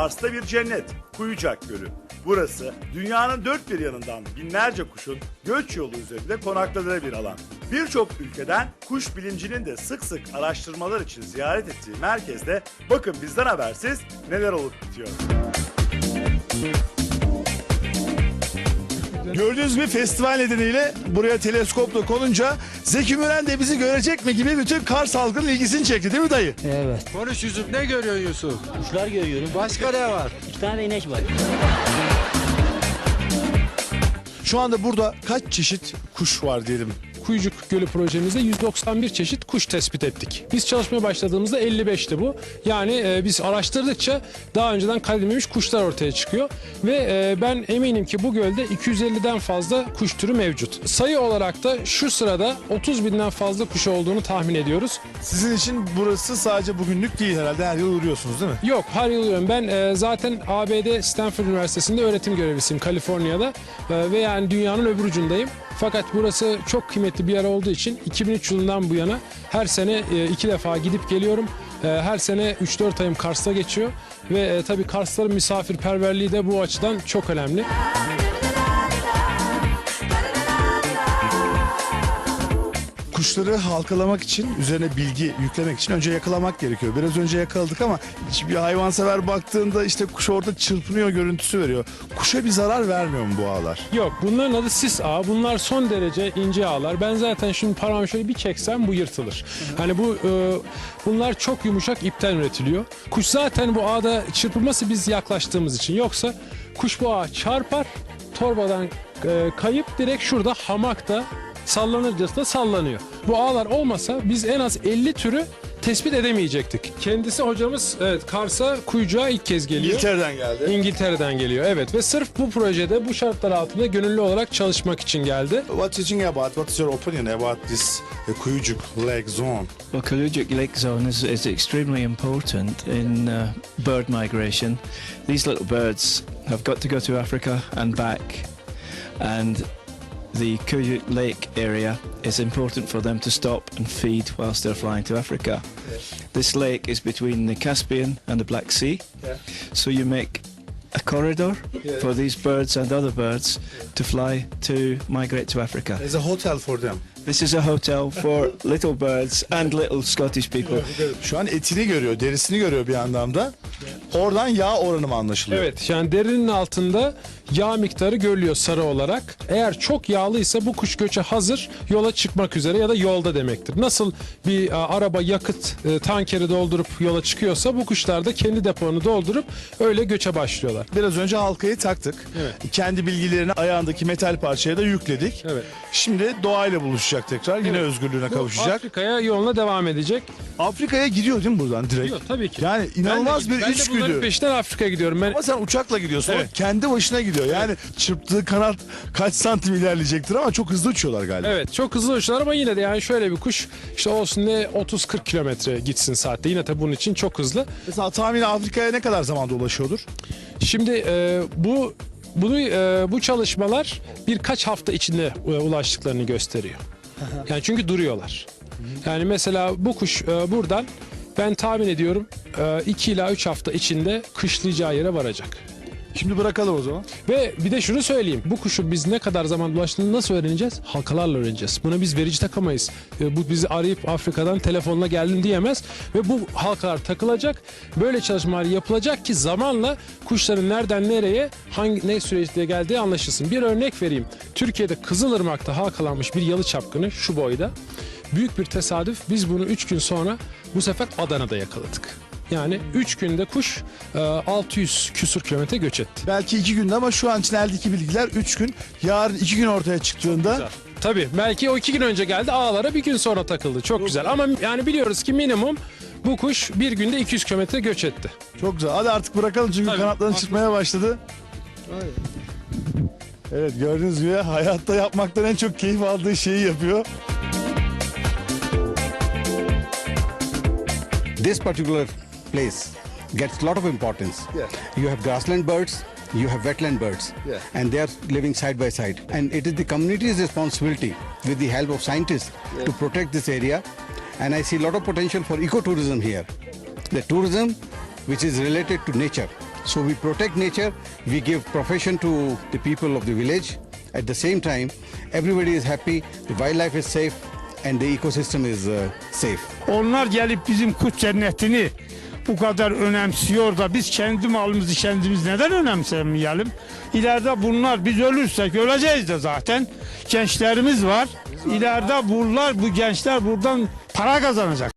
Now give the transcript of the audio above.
Kars'ta bir cennet, Kuyucak Gölü. Burası dünyanın dört bir yanından binlerce kuşun göç yolu üzerinde konakladığı bir alan. Birçok ülkeden kuş bilimcinin de sık sık araştırmalar için ziyaret ettiği merkezde bakın bizden habersiz neler olup bitiyor. Gördüğünüz bir festival nedeniyle buraya teleskopla konunca Zeki Müren de bizi görecek mi gibi bütün Kars halkının ilgisini çekti değil mi dayı? Evet. Konuş Yusuf, ne görüyorsun Yusuf? Kuşlar görüyorum. Başka ne var? 2 tane de inek var. Şu anda burada kaç çeşit kuş var diyelim? Kuyucuk Gölü projemizde 191 çeşit kuş tespit ettik. Biz çalışmaya başladığımızda 55'ti bu. Yani biz araştırdıkça daha önceden kaydedilmemiş kuşlar ortaya çıkıyor. Ve ben eminim ki bu gölde 250'den fazla kuş türü mevcut. Sayı olarak da şu sırada 30 binden fazla kuş olduğunu tahmin ediyoruz. Sizin için burası sadece bugünlük değil herhalde, her yıl uğruyorsunuz değil mi? Yok, her yıl uğruyorum. Ben zaten ABD Stanford Üniversitesi'nde öğretim görevlisiyim Kaliforniya'da. Ve yani dünyanın öbür ucundayım. Fakat burası çok kıymetli bir yer olduğu için 2003 yılından bu yana her sene 2 defa gidip geliyorum. Her sene 3-4 ayım Kars'ta geçiyor. Ve tabii Karsların misafirperverliği de bu açıdan çok önemli. Kuşları halkalamak için, üzerine bilgi yüklemek için önce yakalamak gerekiyor. Biraz önce yakaladık ama bir hayvansever baktığında işte kuş orada çırpınıyor görüntüsü veriyor. Kuşa bir zarar vermiyor mu bu ağlar? Yok, bunların adı sis ağı. Bunlar son derece ince ağlar. Ben zaten şimdi parmağımı şöyle bir çeksem bu yırtılır. Hani bunlar çok yumuşak ipten üretiliyor. Kuş zaten bu ağda çırpılması biz yaklaştığımız için. Yoksa kuş bu ağa çarpar, torbadan kayıp direkt şurada hamakta sallanırcasına sallanıyor. Bu ağlar olmasa biz en az 50 türü tespit edemeyecektik. Kendisi hocamız Kars'a Kuyucuğa ilk kez geliyor. İngiltere'den geldi. İngiltere'den geliyor, evet, ve sırf bu projede bu şartlar altında gönüllü olarak çalışmak için geldi. What is your opinion about this Kuyucuk Lake Zone? Well, Kalujuk Lake Zone is extremely important in bird migration. These little birds have got to go to Africa and back, and the Kuyuk Lake area is important for them to stop and feed whilst they're flying to Africa. This lake is between the Caspian and the Black Sea, so you make a corridor for these birds and other birds to fly to migrate to Africa. There's a hotel for them. This is a hotel for little birds and little Scottish people. Şu an etini görüyor, derisini görüyor bir anlamda. Oradan yağ oranı mı anlaşılıyor? Evet, yani derinin altında yağ miktarı görülüyor sarı olarak. Eğer çok yağlıysa bu kuş göçe hazır, yola çıkmak üzere ya da yolda demektir. Nasıl bir araba yakıt tankeri doldurup yola çıkıyorsa bu kuşlar da kendi depolarını doldurup öyle göçe başlıyorlar. Biraz önce halkayı taktık. Evet. Kendi bilgilerini ayağındaki metal parçaya da yükledik. Evet. Şimdi doğayla buluşacak tekrar. Yine özgürlüğüne kavuşacak. Afrika'ya yoluna devam edecek. Afrika'ya gidiyor değil mi buradan direkt? Gidiyor, tabii ki. Yani inanılmaz bir ben de içgüdü. bunların peşinden Afrika'ya gidiyorum. Ben Ama sen uçakla gidiyorsun. Evet. O kendi başına gidiyor. Yani çırptığı kanat kaç santim ilerleyecektir ama çok hızlı uçuyorlar galiba. Evet, çok hızlı uçuyorlar ama yine de yani şöyle bir kuş işte olsun ne 30-40 kilometre gitsin saatte. Yine tabii bunun için çok hızlı. Mesela tahmini Afrika'ya ne kadar zamanda ulaşıyordur? Şimdi bu çalışmalar birkaç hafta içinde ulaştıklarını gösteriyor. Yani çünkü duruyorlar. Yani mesela bu kuş buradan ben tahmin ediyorum 2 ila 3 hafta içinde kışlayacağı yere varacak. Şimdi bırakalım o zaman. Ve bir de şunu söyleyeyim. Bu kuşun biz ne kadar zaman ulaştığını nasıl öğreneceğiz? Halkalarla öğreneceğiz. Buna biz verici takamayız. Bu bizi arayıp Afrika'dan telefonla geldim diyemez. Ve bu halkalar takılacak. Böyle çalışmalar yapılacak ki zamanla kuşların nereden nereye ne süreçte geldiği anlaşılsın. Bir örnek vereyim. Türkiye'de Kızılırmak'ta halkalanmış bir yalı çapkını şu boyda. Büyük bir tesadüf, biz bunu 3 gün sonra bu sefer Adana'da yakaladık. Yani 3 günde kuş 600 küsur kilometre göç etti. Belki 2 günde ama şu an için eldeki bilgiler 3 gün. Yarın 2 gün ortaya çıktığında Tabii belki o 2 gün önce geldi, ağlara bir gün sonra takıldı. Çok güzel ama yani biliyoruz ki minimum bu kuş bir günde 200 kilometre göç etti. çok güzel. Hadi artık bırakalım çünkü Tabii, kanatlarını çırpmaya başladı. Evet, gördüğünüz gibi hayatta yapmaktan en çok keyif aldığı şeyi yapıyor. This particular place gets a lot of importance. Yeah. You have grassland birds, you have wetland birds, Yeah. and they are living side by side. And it is the community's responsibility, with the help of scientists, to protect this area. And I see a lot of potential for ecotourism here. The tourism which is related to nature. So we protect nature, we give profession to the people of the village. At the same time, everybody is happy, the wildlife is safe and the ecosystem is safe. Onlar gelip bizim kuş cennetini bu kadar önemsiyor da biz kendi malımızı kendimiz neden önemsemeyelim? İleride bunlar, biz ölürsek öleceğiz de zaten. Gençlerimiz var. İleride bu gençler buradan para kazanacak.